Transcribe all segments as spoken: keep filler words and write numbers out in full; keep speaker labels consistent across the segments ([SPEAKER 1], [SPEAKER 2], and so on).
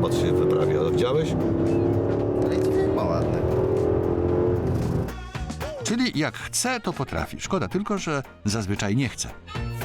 [SPEAKER 1] zobacz, się wyprawia. Widziałeś?
[SPEAKER 2] Ale dźwięk ma ładny.
[SPEAKER 3] Czyli jak chce, to potrafi. Szkoda tylko, że zazwyczaj nie chce.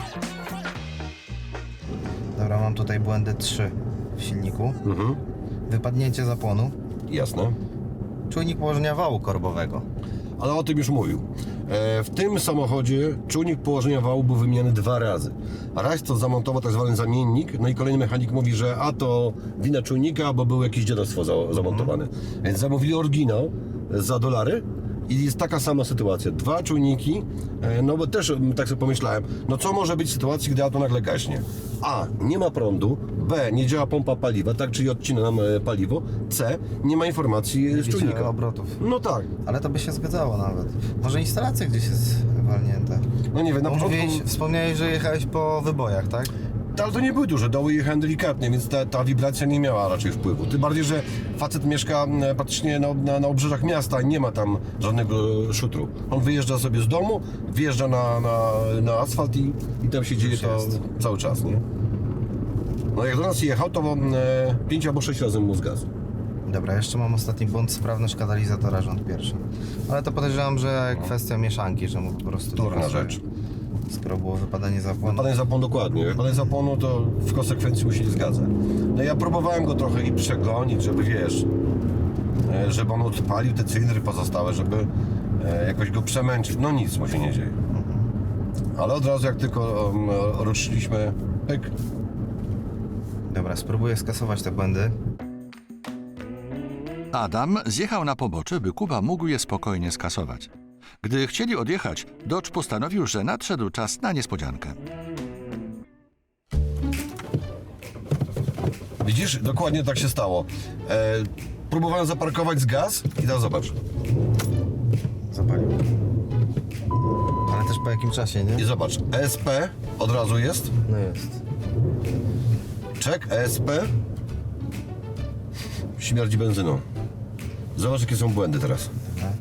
[SPEAKER 2] Dobra, mam tutaj błędy trzy w silniku.
[SPEAKER 1] Mhm.
[SPEAKER 2] Wypadnięcie zapłonu.
[SPEAKER 1] Jasne.
[SPEAKER 2] Czujnik położenia wału korbowego.
[SPEAKER 1] Ale o tym już mówił. E, w tym samochodzie czujnik położenia wału był wymieniany dwa razy. A raz to zamontował tak zwany zamiennik, no i kolejny mechanik mówi, że a to wina czujnika, bo było jakieś dziadostwo za, zamontowane. Więc zamówili oryginał za dolary i jest taka sama sytuacja. Dwa czujniki, e, no bo też m, tak sobie pomyślałem, no co może być w sytuacji, gdy auto nagle gaśnie? A. Nie ma prądu. B. Nie działa pompa paliwa, tak, czyli odcina nam e, paliwo. C. Nie ma informacji z
[SPEAKER 2] Widzicie
[SPEAKER 1] czujnika.
[SPEAKER 2] obrotów.
[SPEAKER 1] No tak.
[SPEAKER 2] Ale to by się zgadzało nawet. Może instalacja gdzieś jest walnięta.
[SPEAKER 1] No nie wiem, na
[SPEAKER 2] Bo
[SPEAKER 1] początku...
[SPEAKER 2] mówiłeś, wspomniałeś, że jechałeś po wybojach, tak?
[SPEAKER 1] Ale to nie były duże doły, jechałem delikatnie, więc ta, ta wibracja nie miała raczej wpływu. Tym bardziej, że facet mieszka m, praktycznie na, na, na obrzeżach miasta i nie ma tam żadnego szutru. On wyjeżdża sobie z domu, wjeżdża na, na, na asfalt i, i tam się dzieje to
[SPEAKER 2] jest.
[SPEAKER 1] cały czas, nie? No jak do nas jechał, to e, pięć albo sześć razy mu zgasł.
[SPEAKER 2] Dobra, jeszcze mam ostatni błąd, sprawność katalizatora, rząd pierwszy. Ale to podejrzewam, że kwestia mieszanki, że mu po prostu... nie
[SPEAKER 1] Durna
[SPEAKER 2] pasuje.
[SPEAKER 1] rzecz.
[SPEAKER 2] Skoro było wypadanie zapłonu.
[SPEAKER 1] Wypadanie zapłonu dokładnie. Wypadanie zapłonu to w konsekwencji mu się nie zgadza. No ja próbowałem go trochę i przegonić, żeby wiesz, e, żeby on odpalił te cylindry pozostałe, żeby e, jakoś go przemęczyć. No nic mu się nie dzieje. Ale od razu jak tylko um, ruszyliśmy, pyk.
[SPEAKER 2] Dobra, spróbuję skasować te błędy.
[SPEAKER 3] Adam zjechał na pobocze, by Kuba mógł je spokojnie skasować. Gdy chcieli odjechać, Dodge postanowił, że nadszedł czas na niespodziankę.
[SPEAKER 1] Widzisz, dokładnie tak się stało. E, próbowałem zaparkować z gaz i teraz zobacz.
[SPEAKER 2] Zapalił. Ale też po jakim czasie, nie?
[SPEAKER 1] I zobacz, E S P od razu jest.
[SPEAKER 2] No jest.
[SPEAKER 1] Czek, E S P. Śmierdzi benzyną. Zobacz, jakie są błędy teraz.
[SPEAKER 2] Dobra.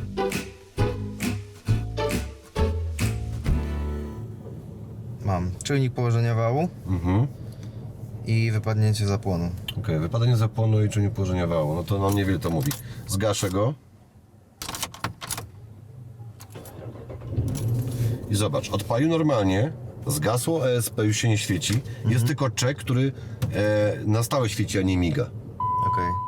[SPEAKER 2] Mam czujnik położenia wału
[SPEAKER 1] Mhm.
[SPEAKER 2] i wypadnięcie zapłonu.
[SPEAKER 1] Okej, okay, wypadanie zapłonu i czujnik położenia wału. No to nam niewiele to mówi. Zgaszę go. I zobacz, odpalił normalnie. Zgasło, E S P już się nie świeci. Jest tylko czek, który e, na stałe świeci, a nie miga.
[SPEAKER 2] Okej.